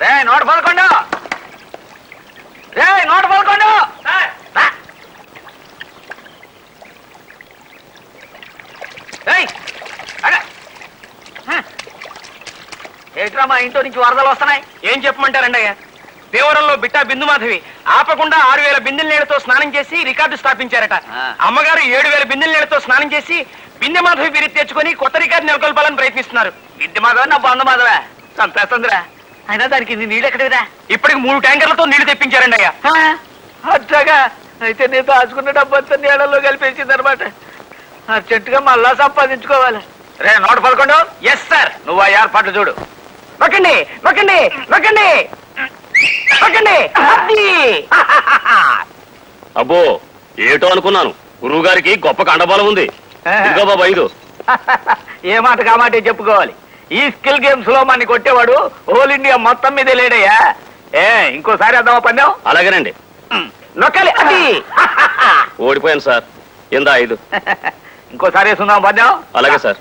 రే 111 రే 111 ఏట్రా మా ఇంట్లో నుంచి వరదలు వస్తున్నాయి. ఏం చెప్పమంటారండి అయ్యా? దేవరంలో బిట్టా బిందు మాధవి ఆపకుండా 6000 బిందెల నీళ్లతో స్నానం చేసి రికార్డు స్థాపించారట. అమ్మగారు 7000 బిందెల నీళ్లతో స్నానం చేసి బిందె మాధవి బిరి తెచ్చుకొని కొత్త రికార్డు నెలకొల్పాలని ప్రయత్నిస్తున్నారు. బిందె మాధవ నా బంధు మాధవా చంపేస్తుందిరా. అయినా దానికి నీళ్ళు ఎక్కడివిరా? ఇప్పటికి 3 ట్యాంకర్లతో నీళ్లు తెప్పించారండి అయ్యా. అట్లాగా అయితే నేను దాచుకున్న డబ్బంతా నీళ్ళలో కలిపేసింది అనమాట. అర్జెంటుగా మళ్ళా సంపాదించుకోవాలి. రే 111 ఎస్ సార్. నువ్వు ఆ ఏర్పాట్లు చూడు. నొక్కండి నొక్కండి నొక్కండి నొక్కండి. అబ్బో ఏటో అనుకున్నాను. గురువు గారికి గొప్ప కండబలం ఉంది. ఇదిగో బాబా 5. ఏ మాట కామాటే చెప్పుకోవాలి. ఈ స్కిల్ గేమ్స్ లో మన కొట్టేవాడు హోల్ ఇండియా మొత్తం మీదే లేడయ్యా. ఇంకోసారి అద్దామా పందెం? అలాగేనండి. నొక్కాలి. అది ఓడిపోయాను సార్. ఇందా 5. ఇంకోసారి వేసుకుందాం పందెం? అలాగే సార్.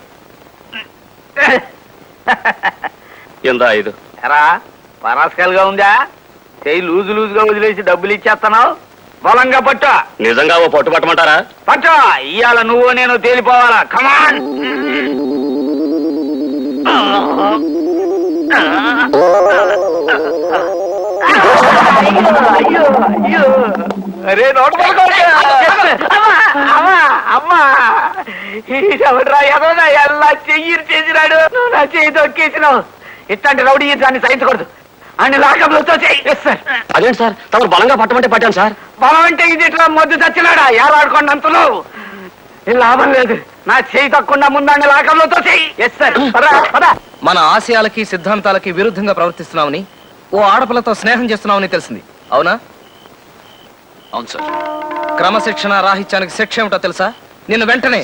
ఇందా 5. ఎరా పరాస్కల్గా ఉందా? చెయ్యి లూజుగా వదిలేసి డబ్బులు ఇచ్చేస్తున్నావు. బలంగా పట్టు. నిజంగా ఓ పట్టు పట్టమంటారా? పట్టు. ఇవాళ నువ్వు నేను తేలిపోవాలా. కమాన్. అరే అమ్మా ఎవడ్రా ఎదోనా ఎలా చెయ్యి చేసినాడు. నువ్వు నా చెయ్యి తొక్కేసినావు. ఇట్లాంటి రౌడీ దాన్ని సహించకూడదు. అని లాకంలో అదేంటి సార్ తమరు బలంగా పట్టమంటే పట్టాను సార్. బలం అంటే ఇది ఇట్లా మొద్దు చచ్చినాడా? ఏలాడుకోండి అంతలో లాభం లేదు. నా చేయి తక్కువ ముందాన్ని లాకంలో తోసేయి. మన ఆశయాలకి సిద్ధాంతాలకి విరుద్ధంగా ప్రవర్తిస్తున్నామని ఓ ఆడపిల్లతో స్నేహం చేస్తున్నామని తెలిసింది. అవునా? అవును సార్. క్రమశిక్షణ రాహిత్యానికి శిక్ష ఏమిటో తెలుసా? నిన్ను వెంటనే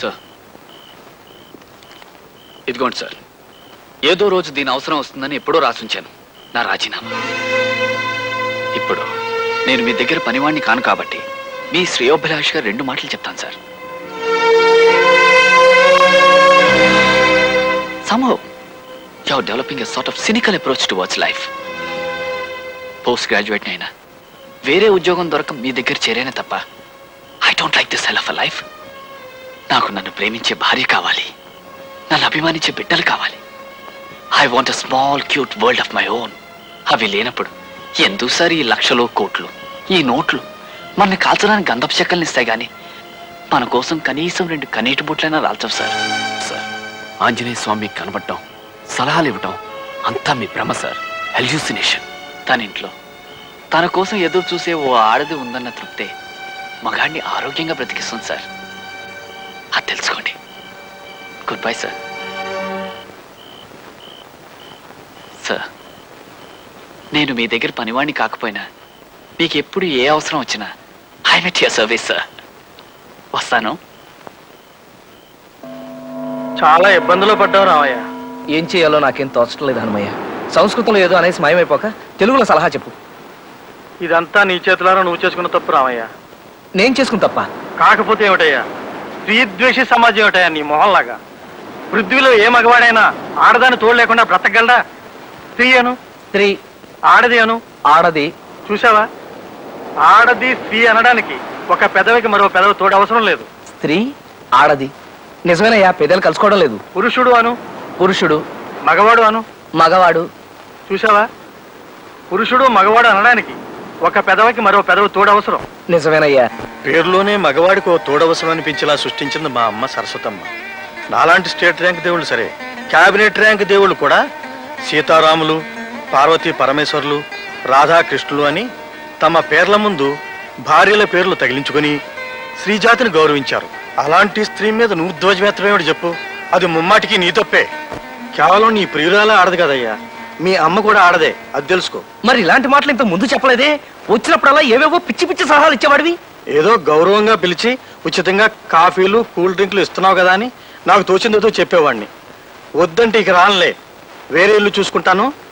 ఇదిగోండి సార్. ఏదో రోజు దీని అవసరం వస్తుందని ఎప్పుడో రాసుంచాను నా రాజీనామా. ఇప్పుడు నేను మీ దగ్గర పనివాణ్ణి కాను కాబట్టి మీ శ్రేయోభిలాష్గా 2 మాటలు చెప్తాను sir. Somehow, you're developing a sort of cynical approach towards life. Post graduate అయినా వేరే ఉద్యోగం దొరక మీ దగ్గర చేరేనే తప్ప I don't like this hell of a life. నాకు నన్ను ప్రేమించే భార్య కావాలి, నన్ను అభిమానించే బిడ్డలు కావాలి. I want a small cute world of my own. అవి లేనప్పుడు ఎందుకు సార్ ఈ లక్షలు కోట్లు, ఈ నోట్లు మనని కాల్చడానికి గంధపు చెక్కల్ని ఇస్తాయి కానీ మన కోసం కనీసం 2 కనీటి బుట్లైనా రాల్చవు సార్. సార్ ఆంజనేయ స్వామికి కనబడటం, సలహాలు ఇవ్వటం అంతా మీ భ్రమ సార్. హెల్యూసినేషన్. తన ఇంట్లో తన కోసం ఎదురు చూసే ఓ ఆడది ఉందన్న తృప్తే మగాడిని ఆరోగ్యంగా బ్రతికిస్తుంది సార్. అది తెలుసుకోండి. Good bye sir. సార్ నేను మీ దగ్గర పనివాణ్ణి కాకపోయినా మీకు ఎప్పుడు ఏ అవసరం వచ్చినా I met your service sir. వస్తాను. చాలా ఇబ్బందులు పడ్డావు రామయ్య. ఏం చేయాలో నాకేం తోచడం లేదు హనుమయ్య. సంస్కృతంలో ఏదో అనేసి మాయమైపోక తెలుగులో సలహా చెప్పు. ఇదంతా నీ చేతులారా నువ్వు చేసుకున్న తప్పు రామయ్య. నేను చేసుకుని తప్ప కాకపోతే ఏమిటయ్యా? స్త్రీద్వేషి సమాజం ఏమిటయ్యా నీ మొహంలాగా? పృథ్వీలో ఏ మగవాడైనా ఆడదాన్ని తోడు లేకుండా బ్రతకగలడా? స్త్రీ అను, స్త్రీ, ఆడది అను, ఆడది. చూసావా? ఆడది స్త్రీ అనడానికి ఒక పెదవికి మరో పెదవి తోడు అవసరం లేదు. స్త్రీ, ఆడది. నిజమేనయ్యా, పెద్దలు కలుసుకోవడం లేదు. పురుషుడు అను, పురుషుడు, మగవాడు అను. మగవాడు. చూసావా? పురుషుడు మగవాడు అనడానికి ఒక పెదవికి మరో పెదవి తోడు అవసరం. నిజమేనయ్యా. పేరులోనే మగవాడికి ఓ తోడవసరం అనిపించేలా సృష్టించింది మా అమ్మ సరస్వతమ్మ. నాలాంటి స్టేట్ ర్యాంక్ దేవుళ్ళు సరే, క్యాబినెట్ ర్యాంక్ దేవుళ్ళు కూడా సీతారాములు, పార్వతీ పరమేశ్వర్లు, రాధాకృష్ణులు అని తమ పేర్ల ముందు భార్యల పేర్లు తగిలించుకుని స్త్రీజాతిని గౌరవించారు. అలాంటి స్త్రీ మీద నువ్వు ధ్వజమెత్తమేమిటి చెప్పు? అది ముమ్మాటికి నీ తప్పే. కేవలం నీ ప్రియురాలే ఆడదు కదయ్యా, మీ అమ్మ కూడా ఆడదే, అది తెలుసుకో. మరి ఇలాంటి మాటలు ఇంత ముందు చెప్పలేదే? వచ్చినప్పుడల్లా ఏవేవో పిచ్చి పిచ్చి సలహాలు ఇచ్చేవాడివి. ఏదో గౌరవంగా పిలిచి ఉచితంగా కాఫీలు కూల్ డ్రింక్లు ఇస్తున్నావు కదా అని నాకు తోచిందేదో చెప్పేవాడిని. వద్దంటే ఇక రానులే, వేరే ఇల్లు చూసుకుంటాను.